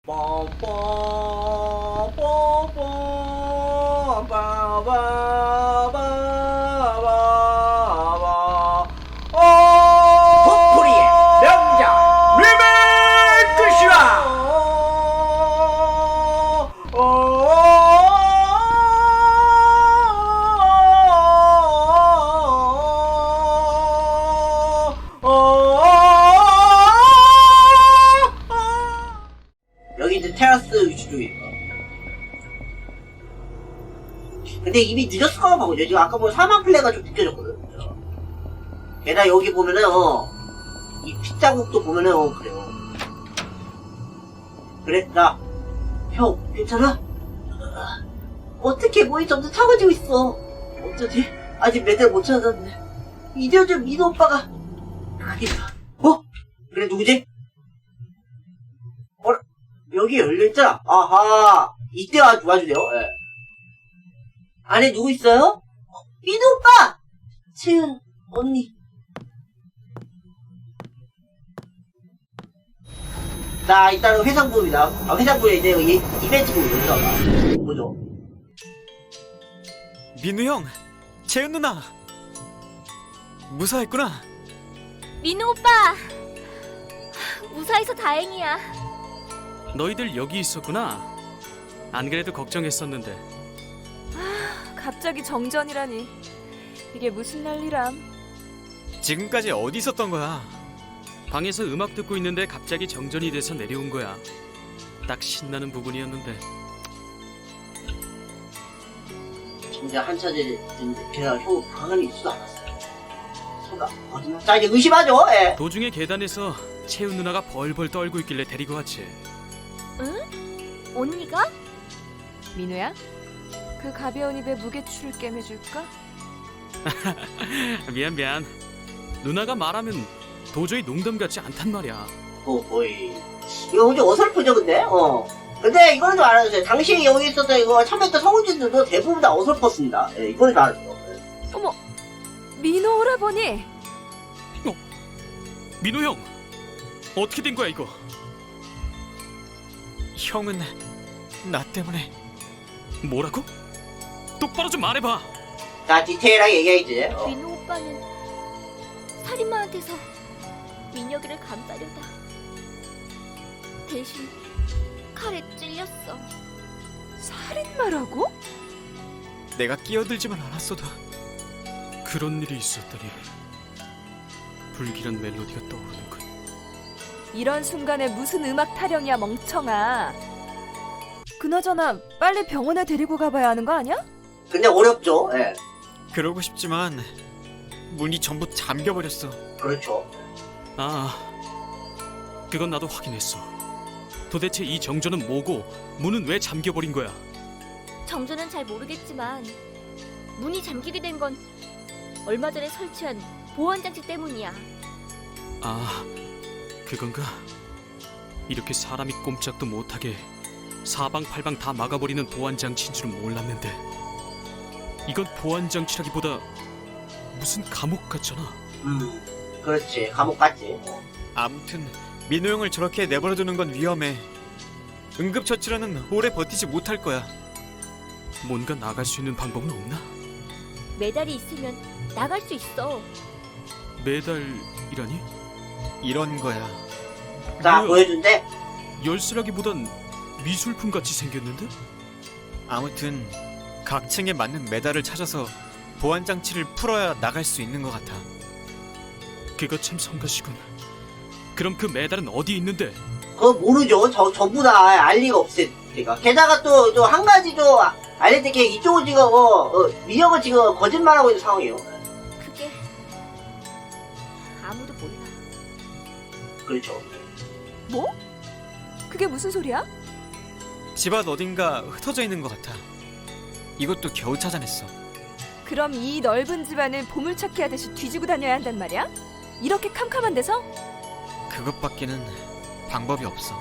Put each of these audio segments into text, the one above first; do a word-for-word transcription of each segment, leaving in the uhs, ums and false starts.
도토리의 명작 리메이크 시간! 여기 이제 테라스 위치 쪽이에요. 근데 이미 늦었을까 봐거든요. 지금 아까 보면 사망 플레이가 좀 느껴졌거든. 게다가 여기 보면은 어, 이 핏자국도 보면은 어, 그래요. 그래, 나 형 괜찮아? 어떻게 몸이 점점 차가지고 있어. 어쩌지? 아직 매달 못 찾았는데 이제 좀 민호 오빠가 가겠다. 어? 그래 누구지? 어? 여기 열려있잖아. 아하, 이때 와, 와주세요. 예. 안에 누구 있어요? 어, 민호 오빠! 채은 언니. 자, 일단은 회상부입니다. 아, 회상부에 이제 이, 이벤트부 열려가. 뭐죠? 민우 형, 채은 누나 무사했구나. 민우 오빠! 무사해서 다행이야. 너희들 여기 있었구나. 안 그래도 걱정했었는데. 갑자기 정전이라니. 이게 무슨 난리람. 지금까지 어디 있었던 거야? 방에서 음악 듣고 있는데 갑자기 정전이 돼서 내려온 거야. 딱 신나는 부분이었는데. 진짜 한차제 됐는데 걔가 형 방안에 있지도 않았어요. 설마 거짓말? 자, 이제 의심하죠. 예. 도중에 계단에서 채은 누나가 벌벌 떨고 있길래 데리고 왔지. 응? 언니가? 민우야? 그 가벼운 입에 무게추를 꿰매줄까? 미안 미안. 누나가 말하면 도저히 농담 같지 않단 말이야. 어, 거의. 이거 굉장히 어설프죠, 근데? 어. 근데 이거는 좀 알아주세요. 당시 여기 있었던 이거 참여했던 성우진들도 대부분 다 어설펐습니다. 예, 이거는 좀 알아주세요. 어머, 민우 오라버니. 어? 민우 형, 어떻게 된 거야 이거? 형은 나 때문에 뭐라고? 똑바로 좀 말해봐. 자, 디테일하게 얘기해야지. 어. 민우 오빠는 살인마한테서 민혁이를 감싸려다 대신 칼에 찔렸어. 살인마라고? 내가 끼어들지만 않았어도 그런 일이 있었다니. 불길한 멜로디가 떠오르는군. 이런 순간에 무슨 음악 타령이야, 멍청아. 그나저나 빨리 병원에 데리고 가봐야 하는 거 아니야? 근데 어렵죠. 예. 그러고 싶지만 문이 전부 잠겨버렸어. 그렇죠. 아, 그건 나도 확인했어. 도대체 이 정전은 뭐고 문은 왜 잠겨버린 거야? 정조는 잘 모르겠지만 문이 잠기게 된 건 얼마 전에 설치한 보안장치 때문이야. 아, 그건가? 이렇게 사람이 꼼짝도 못하게 사방팔방 다 막아버리는 보안장치인 줄은 몰랐는데. 이건 보안장치라기보다 무슨 감옥 같잖아. 음, 그렇지. 감옥 같지. 어. 아무튼 민호 형을 저렇게 내버려두는 건 위험해. 응급처치로는 오래 버티지 못할 거야. 뭔가 나갈 수 있는 방법은 없나? 메달이 있으면 나갈 수 있어. 메달이라니? 이런 거야. 자, 뭐야? 보여준대. 열쇠라기보단 미술품 같이 생겼는데? 아무튼 각 층에 맞는 메달을 찾아서 보안장치를 풀어야 나갈 수 있는 것 같아. 그거 참 성가시군. 그럼 그 메달은 어디 있는데? 그거 모르죠. 저, 전부 다 알 리가 없으니까. 게다가 또, 또, 한 가지 좀 알려드릴 게 이쪽은 지금, 어, 어, 민혁은 지금 거짓말하고 있는 상황이에요. 그게 아무도 몰라. 그렇죠. 뭐? 그게 무슨 소리야? 집 앞 어딘가 흩어져 있는 것 같아. 이것도 겨우 찾아냈어. 그럼 이 넓은 집안을 보물찾기 하듯이 뒤지고 다녀야 한단 말이야? 이렇게 캄캄한 데서? 그것밖에는 방법이 없어.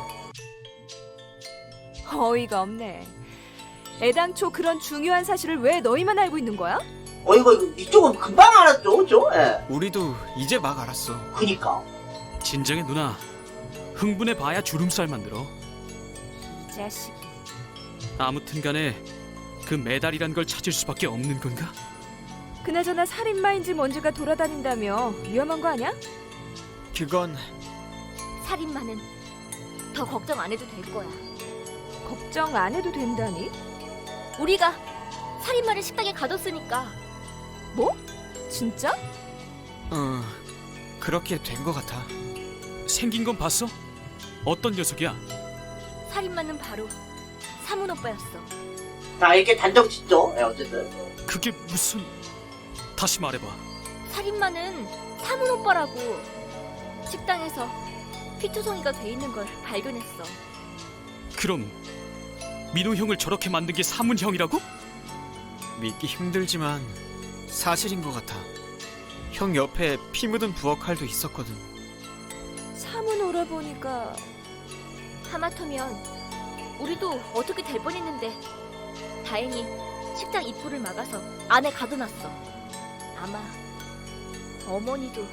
어이가 없네. 애당초 그런 중요한 사실을 왜 너희만 알고 있는 거야? 어, 이거, 이거 이쪽은 금방 알았죠, 그죠? 예. 우리도 이제 막 알았어. 그니까. 진정해 누나. 흥분해 봐야 주름살 만들어. 자식이. 아무튼 간에 그 메달이란 걸 찾을 수밖에 없는 건가? 그나저나 살인마인지 뭔지가 돌아다닌다며 위험한 거 아니야? 그건 살인마는 더 걱정 안 해도 될 거야. 걱정 안 해도 된다니? 우리가 살인마를 식당에 가뒀으니까. 뭐? 진짜? 어 그렇게 된 것 같아. 생긴 건 봤어? 어떤 녀석이야? 살인마는 바로 사문 오빠였어. 자, 이렇게 단정 짓죠. 예, 어쨌든. 그게 무슨... 다시 말해봐. 살인마는 사문 오빠라고. 식당에서 피투성이가 돼 있는 걸 발견했어. 그럼 민호 형을 저렇게 만든 게 사문 형이라고? 믿기 힘들지만 사실인 것 같아. 형 옆에 피 묻은 부엌칼도 있었거든. 사문 오라보니까 하마터면 우리도 어떻게 될 뻔했는데 다행히 식당 입구를 막아서 안에 가둬놨어. 아마 어머니도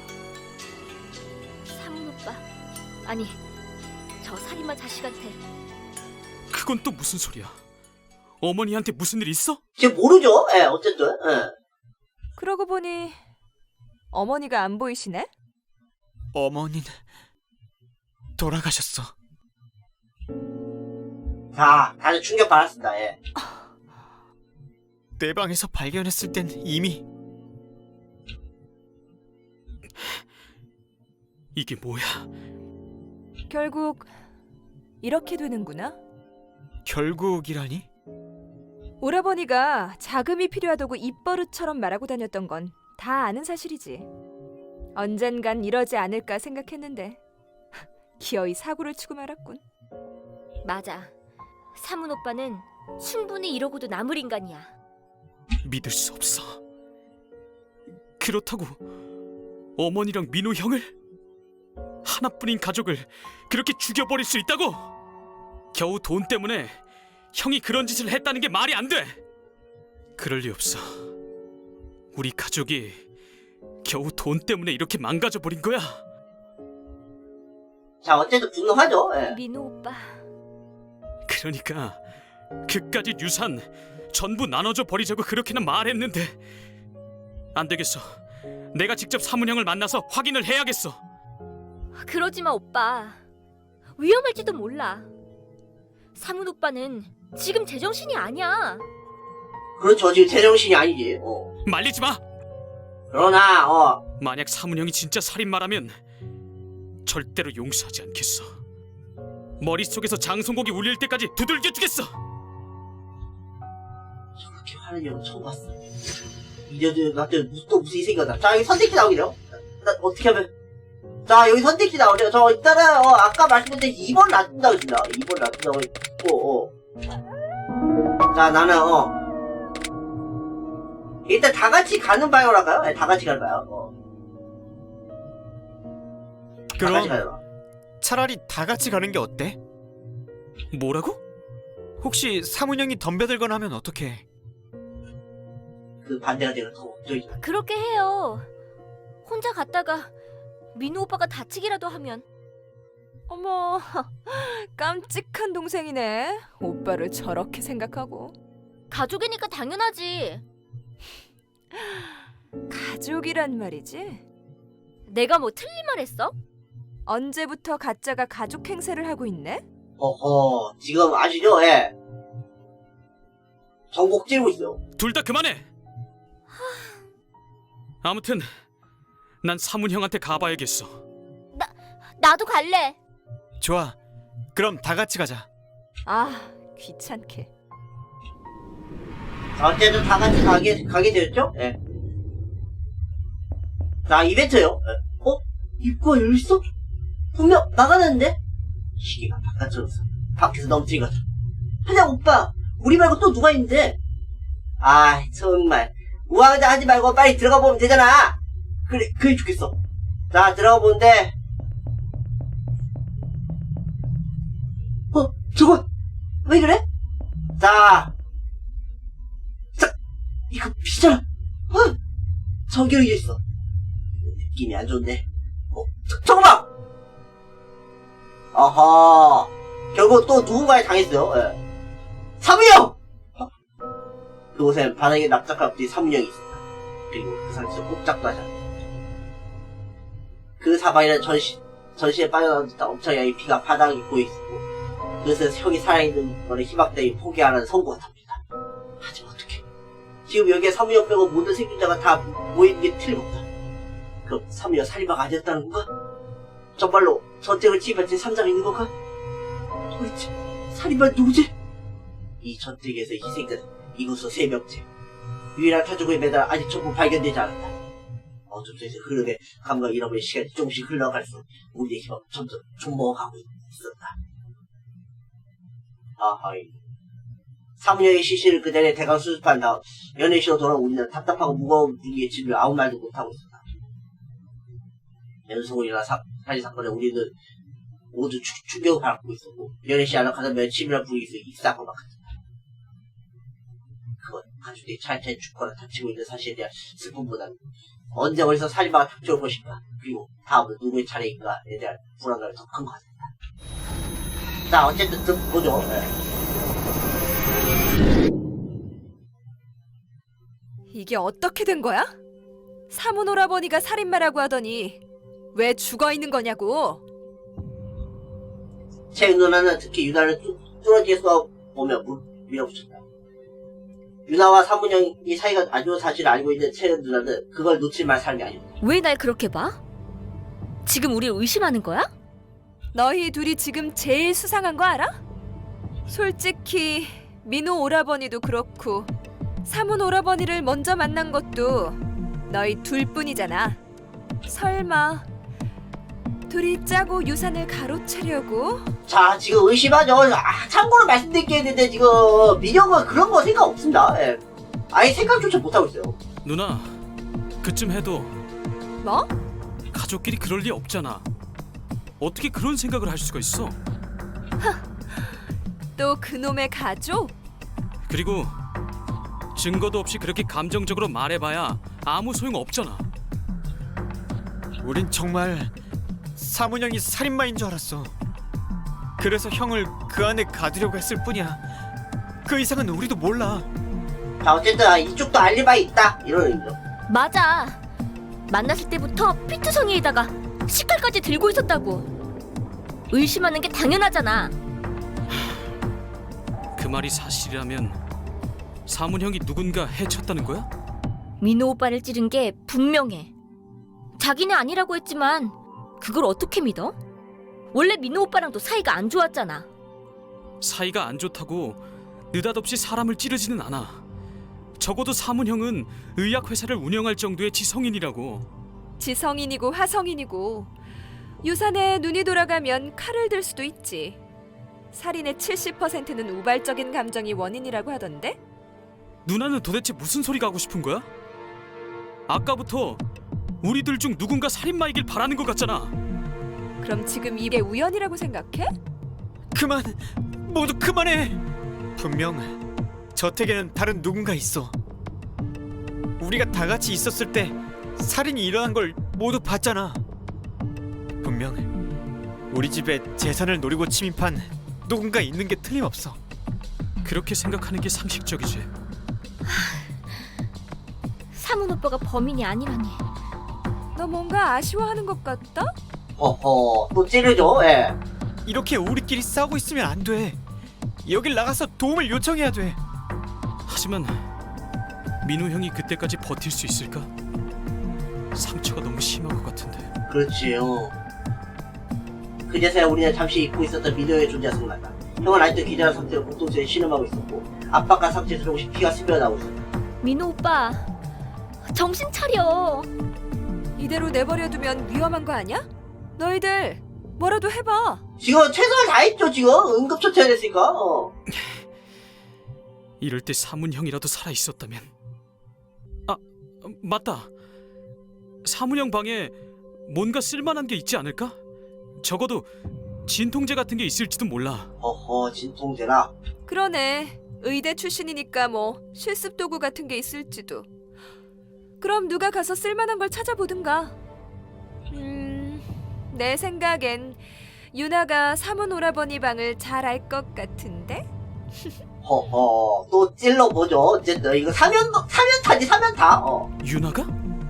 사문 오빠, 아니 저 살인마 자식한테. 그건 또 무슨 소리야? 어머니한테 무슨 일 있어? 지금 모르죠. 예, 어쨌든. 예. 그러고 보니 어머니가 안 보이시네? 어머니는 돌아가셨어. 자, 다들 충격 받았습니다. 예. 내 방에서 발견했을 땐 이미 이게 뭐야? 결국 이렇게 되는구나. 결국이라니? 오라버니가 자금이 필요하다고 입버릇처럼 말하고 다녔던 건 다 아는 사실이지. 언젠간 이러지 않을까 생각했는데 기어이 사고를 치고 말았군. 맞아. 사문 오빠는 충분히 이러고도 남을 인간이야. 믿을 수 없어. 그렇다고 어머니랑 민호 형을? 하나뿐인 가족을 그렇게 죽여버릴 수 있다고? 겨우 돈 때문에 형이 그런 짓을 했다는 게 말이 안 돼. 그럴 리 없어. 우리 가족이 겨우 돈 때문에 이렇게 망가져버린 거야. 자, 어쨌든 분노하죠. 예. 민호 오빠. 그러니까 그까짓 유산 전부 나눠줘 버리자고 그렇게나 말했는데 안 되겠어. 내가 직접 사문 형을 만나서 확인을 해야겠어. 그러지 마 오빠. 위험할지도 몰라. 사문 오빠는 지금 제정신이 아니야. 그렇죠. 지금 제정신이 아니지. 어. 말리지 마. 그러나, 어. 만약 사문 형이 진짜 살인마라면 절대로 용서하지 않겠어. 머릿속에서 장송곡이 울릴 때까지 두들겨 주겠어. 저렇게 화는 형은 처음 봤어. 이제도 나한테 무슨 또 무슨 이 생각나. 자, 여기 선택지 나오기죠. 나 어떻게 하면. 자, 여기 선택지 나오죠. 저 일단은 어, 아까 말씀드린 이 번 놔둔다고 했습니다. 이 번 놔둔다고 했고, 어. 자, 나는 어. 일단 다 같이 가는 방향으로 할까요? 네, 다 같이 가는 방향. 어. 다 같이 가요. 그럼 차라리 다 같이 가는 게 어때? 뭐라고? 혹시 사문 형이 덤벼들거나 하면 어떡해? 그 반대가 되는 더 걱정이죠. 그렇게 해요. 혼자 갔다가 민호 오빠가 다치기라도 하면. 어머, 깜찍한 동생이네. 오빠를 저렇게 생각하고. 가족이니까 당연하지. 가족이란 말이지? 내가 뭐 틀린 말 했어? 언제부터 가짜가 가족 행세를 하고 있네? 어허, 지금 아시죠? 예. 정복 찌르고 있어요. 둘 다 그만해. 아무튼 난 사문 형한테 가봐야겠어. 나도 갈래. 좋아. 그럼 다 같이 가자. 아, 귀찮게. 자, 어쨌든 다 같이 가게, 가게 되었죠? 예. 자, 이벤트요. 예. 어? 입구가 열렸어? 분명 나가는데? 시기가 바깥으로 밖에서 넘치는 거죠. 하냐, 오빠. 우리 말고 또 누가 있는데? 아, 정말. 우왕좌 하지 말고 빨리 들어가 보면 되잖아. 그래, 그게 좋겠어. 자, 들어가 보는데. 어, 저거, 왜 그래? 자. 자, 이거 피잖아. 어? 저기 여기 있어. 느낌이 안 좋은데. 어, 저, 저거 봐! 어허. 결국 또 누군가에 당했어요. 예. 사무형! 그곳엔 바닥에 납작한 뒤 사무형이 있었다. 그리고 그 상처 꼼짝도 하지 않았다. 그 사방에는 전시, 전시에 빠져나온 듯한 엄청난 피가 바닥에 고여있었고 그것은 형이 살아있는 거를 희망따위 포기하라는 선고 같답니다. 하지만 어떡해. 지금 여기에 사무형 빼고 모든 생존자가 다 모이는 게 틀림없다. 그럼 사무형 살인마가 아니었다는 건가? 정말로 전쟁을 지휘한 제삼자가 있는 건가? 도대체 살인마 누구지? 이 전쟁에서 희생된 이곳서 세 명째. 유일한 가족의 매달 아직 전부 발견되지 않았다. 어둠 속에서 흐르게 감각 잃어버린 시간이 조금씩 흘러갈수록 우리의 희망은 점점 존먹어가고 있었다. 아하이. 사무형의 시신을 그 자리에 대강 수습한 다음 연애시로 돌아온 우리는 답답하고 무거운 분위기에 질려 아무 말도 못하고 있었다. 연속으로 일어난 사, 살인 사건에 우리는 모두 추, 충격을 받고 있었고 연애시 안에 가장 면치밀한 분위기에서 익사하고 막 같았다. 그건 가족들이 차례차례 죽거나 다치고 있는 사실에 대한 슬픔보다는 언제 어디서 살인마가 닥쳐올 것인가 그리고 다음은 누구의 차례인가에 대한 불안감이 더 큰 것 같았다. 자 어쨌든 좀 보죠. 네. 이게 어떻게 된 거야? 사문 오라버니가 살인마라고 하더니 왜 죽어 있는 거냐고. 채은 누나는 특히 유나를 뚫어지게 쏘아보며 물, 밀어붙였다. 유나와 사문형이 사이가 안 좋은 사실을 알고 있는 채은 누나는 그걸 놓칠 만한 사람이 아니었다. 왜 날 그렇게 봐? 지금 우리를 의심하는 거야? 너희 둘이 지금 제일 수상한 거 알아? 솔직히 민호 오라버니도 그렇고 사문 오라버니를 먼저 만난 것도 너희 둘뿐이잖아. 설마 둘이 짜고 유산을 가로채려고? 자 지금 의심하죠. 아, 참고로 말씀드릴 게 있는데 지금 민영은 그런 거 생각 없습니다. 예. 아예 생각조차 못하고 있어요. 누나, 그쯤 해도 뭐? 가족끼리 그럴 리 없잖아. 어떻게 그런 생각을 할 수가 있어? 또 그놈의 가족? 그리고 증거도 없이 그렇게 감정적으로 말해봐야 아무 소용 없잖아. 우린 정말 사문형이 살인마인 줄 알았어. 그래서 형을 그 안에 가두려고 했을 뿐이야. 그 이상은 우리도 몰라. 자 어쨌든 아, 이쪽도 알리바이 있다 이런 의미죠. 맞아. 만났을 때부터 피투성이에다가 식칼까지 들고 있었다고. 의심하는 게 당연하잖아. 그 말이 사실이라면 사문형이 누군가 해쳤다는 거야? 민호 오빠를 찌른 게 분명해. 자기네 아니라고 했지만 그걸 어떻게 믿어? 원래 민호 오빠랑도 사이가 안 좋았잖아. 사이가 안 좋다고 느닷없이 사람을 찌르지는 않아. 적어도 사문형은 의약회사를 운영할 정도의 지성인이라고. 지성인이고 화성인이고 유산에 눈이 돌아가면 칼을 들 수도 있지. 살인의 칠십 퍼센트는 우발적인 감정이 원인이라고 하던데? 누나는 도대체 무슨 소리가 하고 싶은 거야? 아까부터 우리들 중 누군가 살인마이길 바라는 것 같잖아. 그럼 지금 이게 우연이라고 생각해? 그만! 모두 그만해! 분명 저택에는 다른 누군가 있어. 우리가 다 같이 있었을 때 살인이 일어난 걸 모두 봤잖아. 분명 우리 집에 재산을 노리고 침입한 누군가 있는 게 틀림없어. 그렇게 생각하는 게 상식적이지. 사문 오빠가 범인이 아니라니. 너 뭔가 아쉬워하는 것 같다? 허허 또 찌르죠. 예. 이렇게 우리끼리 싸우고 있으면 안 돼. 여길 나가서 도움을 요청해야 돼. 하지만 민우 형이 그때까지 버틸 수 있을까? 상처가 너무 심한 것 같은데. 그렇지요. 그제서야 우리는 잠시 잊고 있었던 민호의 존재가 생각났다. 형은 아직도 기절한 상태로 복도수에 신음하고 있었고 압박한 상태에서 조금씩 피가 스며나오고 있었다. 민호 오빠, 정신 차려. 이대로 내버려두면 위험한 거 아니야? 너희들 뭐라도 해봐. 지금 최선을 다했죠. 지금 응급처치해야 됐으니까. 어. 이럴 때 사문 형이라도 살아 있었다면. 아, 맞다. 사문 형 방에 뭔가 쓸만한 게 있지 않을까? 적어도 진통제 같은 게 있을지도 몰라. 허허 진통제라. 그러네. 의대 출신이니까 뭐 실습 도구 같은 게 있을지도. 그럼 누가 가서 쓸만한 걸 찾아보든가. 음, 내 생각엔 유나가 사문 오라버니 방을 잘 알 것 같은데? 허허, 또 찔러보죠. 어쨌든, 이거 사면, 사면타지, 사면타. 어. 유나가?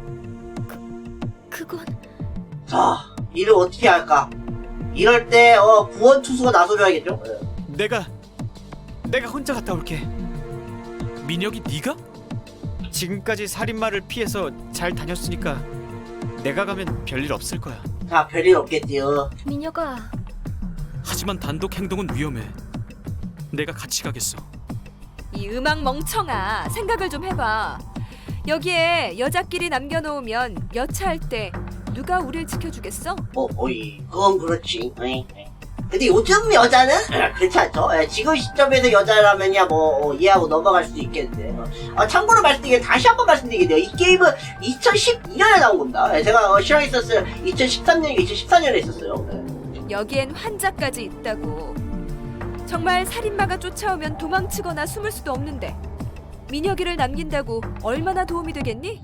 그건 자, 이를 어떻게 할까? 이럴 때, 어, 구원 투수가 나서줘야겠죠? 예. 내가 내가 혼자 갔다 올게. 민혁이 네가? 지금까지 살인마를 피해서 잘 다녔으니까 내가 가면 별일 없을 거야. 자, 별일 없겠지요. 미녀가 하지만 단독 행동은 위험해. 내가 같이 가겠어. 이 음악 멍청아, 생각을 좀 해봐. 여기에 여자끼리 남겨놓으면 여차할 때 누가 우릴 지켜주겠어? 어, 어이, 그건 그렇지. 어이. 근데 요즘 여자는 에, 그렇지 않죠? 에, 지금 시점에서 여자라면야 뭐 어, 이해하고 넘어갈 수도 있겠는데. 어. 아, 참고로 말씀드리게 다시 한번 말씀드리겠네요. 이 게임은 이천십이 년에 나온 겁니다. 에, 제가 어, 실황했었어요. 이천십삼 년, 이천십사 년에 있었어요. 에. 여기엔 환자까지 있다고. 정말 살인마가 쫓아오면 도망치거나 숨을 수도 없는데 민혁이를 남긴다고 얼마나 도움이 되겠니?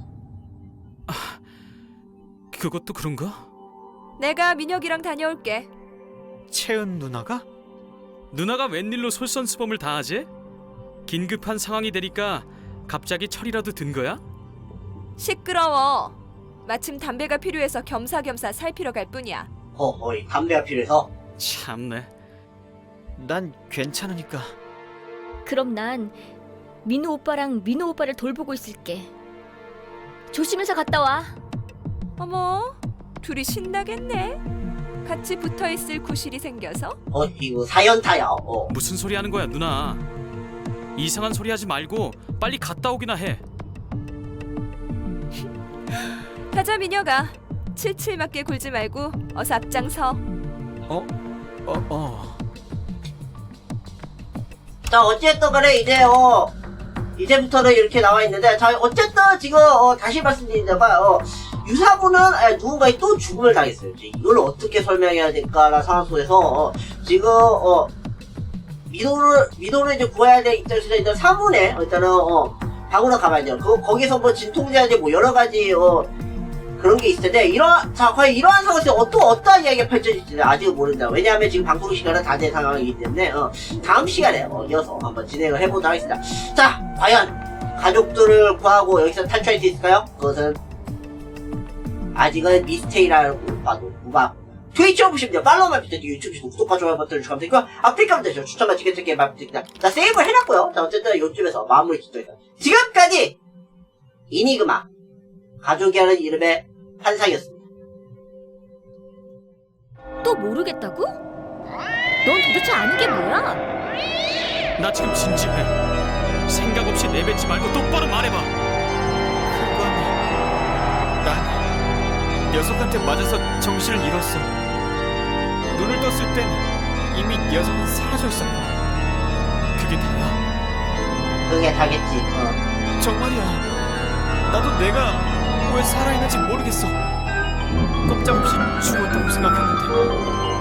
그것도 그런가? 내가 민혁이랑 다녀올게. 채은 누나가? 누나가 웬일로 솔선수범을 다하지? 긴급한 상황이 되니까 갑자기 철이라도 든 거야? 시끄러워. 마침 담배가 필요해서 겸사겸사 살피러 갈 뿐이야. 어이, 담배가 필요해서. 참네. 난 괜찮으니까. 그럼 난 민호 오빠랑 민호 오빠를 돌보고 있을게. 조심해서 갔다 와. 어머, 둘이 신나겠네. 같이 붙어있을 구실이 생겨서? 어, 이거 사연타야. 어. 무슨 소리 하는 거야, 누나? 이상한 소리 하지 말고 빨리 갔다 오기나 해. 가자 민혁아. 칠칠 맞게 굴지 말고 어서 앞장서. 어? 어, 어. 자, 어쨌든 간에 이제, 어, 이제부터는 이렇게 나와 있는데, 자, 어쨌든 지금, 어, 다시 말씀드리자면, 어, 유사부는 에, 누군가의 또 죽음을 당했어요. 이제 이걸 어떻게 설명해야 될까라는 상황 속에서, 어, 지금, 어, 미도를, 미도를 이제 구해야 될 입장에서 일단 사문에, 일단은, 어, 방으로 가봐야죠. 그, 거기서 뭐 진통제한제 뭐 여러 가지, 어, 그런 게 있을 텐데, 이런, 자, 과연 이러한 상황에서 또 어떠한 이야기가 펼쳐질지는 아직은 모른다. 왜냐하면 지금 방송 시간은 다 된 상황이기 때문에, 어, 다음 시간에, 어, 이어서 한번 진행을 해보도록 하겠습니다. 자, 과연, 가족들을 구하고 여기서 탈출할 수 있을까요? 그것은, 아직은 미스테리라고 봐도 무방. 트위치 보시면 팔로우만 부탁드리고 유튜브 구독과 좋아요 버튼을 주시면 되고요. 아프리카 분들 추천과 지켜드릴게 말씀드립니다. 자, 세이브를 해놨고요. 자, 어쨌든 요쯤에서 마무리 짓도록 하겠습니다. 지금까지 이니그마 가족이라는 이름의 환상이었습니다. 또 모르겠다고? 넌 도대체 아는 게 뭐야? 나 지금 진지해. 생각 없이 내뱉지 말고 똑바로 말해봐. 그건 난 녀석한테 맞아서 정신을 잃었어. 눈을 떴을 땐 이미 녀석은 사라져 있었다. 그게 다야? 그게 다겠지. 어. 정말이야. 나도 내가 왜 살아있는지 모르겠어. 꼼짝없이 죽었다고 생각했는데